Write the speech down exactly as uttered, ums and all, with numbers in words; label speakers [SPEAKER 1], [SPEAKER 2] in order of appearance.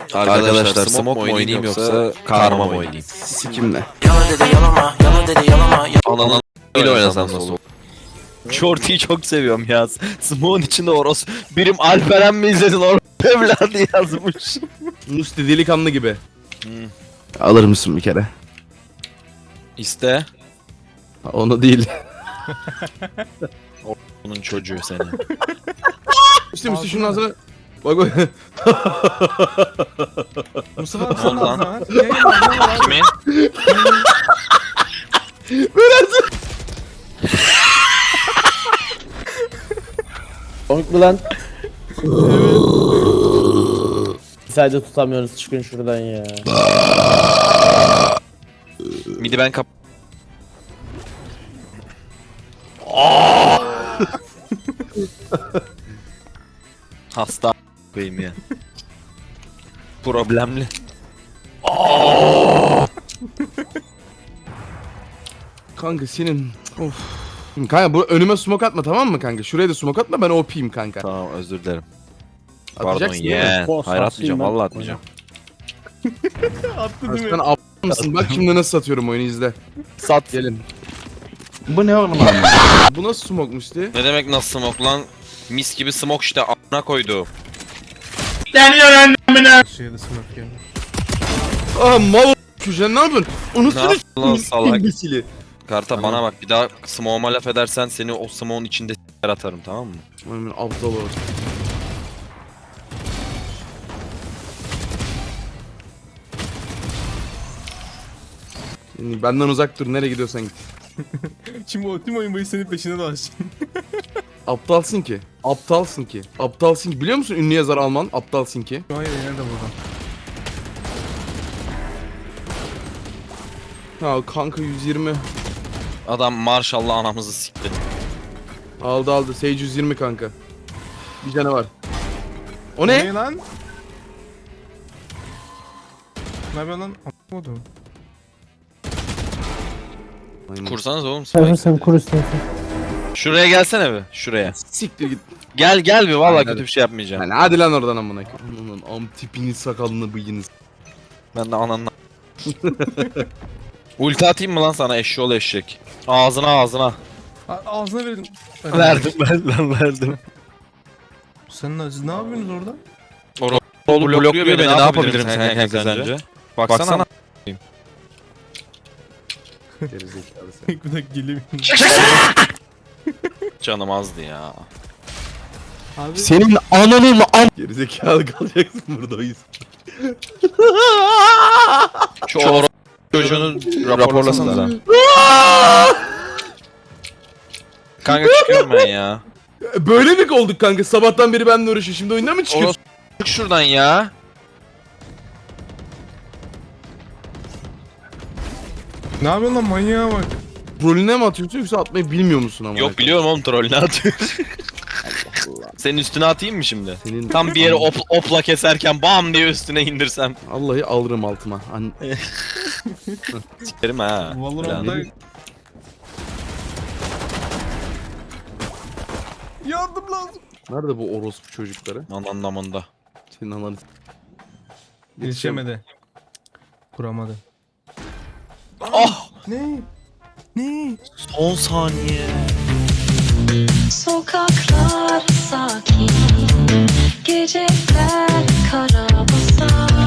[SPEAKER 1] Arkadaşlar smoke mu oynayayım yoksa karma mı oynayayım?
[SPEAKER 2] Sikimle.
[SPEAKER 1] Ananı ile oynasam nasıl olur?
[SPEAKER 3] Shorty'yi çok seviyorum ya. Smoke'un içinde Oros. Birim Alperen mi izledin Oros evladı yazmış.
[SPEAKER 2] Musti delikanlı gibi. Hmm. Alır mısın bir kere?
[SPEAKER 1] İste.
[SPEAKER 2] Onu değil.
[SPEAKER 1] Bunun çocuğu seni.
[SPEAKER 2] Musti Musti şunun ağzına... Bak bak.
[SPEAKER 4] Mustafa abi
[SPEAKER 1] Ne
[SPEAKER 4] son
[SPEAKER 1] oldu lan?
[SPEAKER 4] ağzına. Yayın var, ne var abi?
[SPEAKER 1] Kimin?
[SPEAKER 5] Komik mi lan? Sadece tutamıyoruz, çıkın şuradan ya.
[SPEAKER 1] Midi ben kap... Hasta koyayım ya. Problemli.
[SPEAKER 2] Kanka senin... Of. Kanka bu önüme smoke atma, tamam mı kanka? Şuraya da smoke atma, ben O P'yim kanka.
[SPEAKER 1] Tamam, özür dilerim. Pardon
[SPEAKER 2] Atacaksın değil mi?
[SPEAKER 1] yeğen.
[SPEAKER 5] Post
[SPEAKER 1] Hayır
[SPEAKER 5] atayım
[SPEAKER 1] atmayacağım,
[SPEAKER 5] ben.
[SPEAKER 1] vallahi atmayacağım.
[SPEAKER 4] Attı değil
[SPEAKER 2] Sen
[SPEAKER 4] mi?
[SPEAKER 2] ab mısın? Bak şimdi nasıl satıyorum oyunu, izle.
[SPEAKER 3] Sat.
[SPEAKER 2] Gelin.
[SPEAKER 5] Bu ne oğlum abi?
[SPEAKER 2] Bu nasıl smoke Musti?
[SPEAKER 1] Ne demek nasıl smoke lan? Mis gibi smoke işte a**ına koydu.
[SPEAKER 4] Şuraya da smoke geldi.
[SPEAKER 2] Aa mal köşen ne yapıyorsun?
[SPEAKER 1] Ne
[SPEAKER 2] Unutsun
[SPEAKER 1] yaptın lan salak?
[SPEAKER 2] imbesili.
[SPEAKER 1] Karta
[SPEAKER 2] Tamam.
[SPEAKER 1] bana bak, bir daha smoke'uma laf edersen seni o smoke'un içinde s**ler atarım, tamam mı?
[SPEAKER 2] Aman aptal ol. Yani benden uzak dur, nereye gidiyorsan git.
[SPEAKER 4] Şimdi o tüm oyun boyu senin peşine dolaşacak.
[SPEAKER 2] Aptalsın ki. Aptalsın ki. Aptalsın ki. Biliyor musun ünlü yazar Alman? Aptalsın ki.
[SPEAKER 4] Şu an yayın nerede buradan?
[SPEAKER 2] Ha kanka yüz yirmi.
[SPEAKER 1] Adam maşallah anamızı sikti.
[SPEAKER 2] Aldı aldı. Sage yüz yirmi kanka. Bir canı var. O
[SPEAKER 4] Ne
[SPEAKER 2] ne?
[SPEAKER 4] lan? Ne yapıyorsun lan? Anlamadım.
[SPEAKER 1] Kursanız oğlum
[SPEAKER 5] Sen
[SPEAKER 1] spike.
[SPEAKER 5] sen kur istiyorsun.
[SPEAKER 1] Şuraya gelsene bir, şuraya.
[SPEAKER 2] Siktir git.
[SPEAKER 1] Gel gel bir, vallahi
[SPEAKER 2] Hadi,
[SPEAKER 1] kötü
[SPEAKER 2] hadi.
[SPEAKER 1] bir şey yapmayacağım.
[SPEAKER 2] Yani hadi lan oradan amına koyayım. Aman am tipini sakalını bıyığını.
[SPEAKER 1] Ben de ananla. Ulti atayım mı lan sana, eşşoğlu eşek? Ağzına ağzına.
[SPEAKER 4] A- Ağzına verin.
[SPEAKER 3] Verdim ben ben verdim.
[SPEAKER 4] Sen ne, siz ne yapıyorsunuz orada?
[SPEAKER 1] Oğlum blokluyor beni, ne yapabilirim sen sence? Baksana.
[SPEAKER 2] Gerizekalı sen.
[SPEAKER 4] Bir dakika geleyim.
[SPEAKER 1] Canım azdı ya.
[SPEAKER 4] Abi
[SPEAKER 2] Senin ananın an... Gerizekalı kalacaksın burada o yüzden.
[SPEAKER 1] Şu or çocuğunu raporlasanıza. Kanka çıkıyorum ben ya.
[SPEAKER 2] Böyle mi olduk kanka? Sabahtan beri benimle uğraşıyor. Şimdi oyundan mı çıkıyorsun?
[SPEAKER 1] Oros çık şuradan ya.
[SPEAKER 4] ne yapıyorsun lan manyağa bak.
[SPEAKER 2] Rolüne mi atıyorsun yoksa atmayı bilmiyor musun ama?
[SPEAKER 1] Yok biliyorum oğlum, troll ne atıyor. Senin üstüne atayım mı şimdi?
[SPEAKER 2] Senin...
[SPEAKER 1] Tam bir yeri op opla keserken bam diye üstüne indirsem.
[SPEAKER 2] Vallahi alırım altıma. An...
[SPEAKER 1] Sikerim ha.
[SPEAKER 4] Valorant'ta... Yardım lazım.
[SPEAKER 2] Nerede bu orospu çocukları?
[SPEAKER 1] An anlamında.
[SPEAKER 2] Senin ananı...
[SPEAKER 4] Yetişemedi. Kuramadı.
[SPEAKER 1] Oh!
[SPEAKER 4] Ne? Ne?
[SPEAKER 1] Son saniye.
[SPEAKER 6] Sokaklar sakin, geceler kara basar.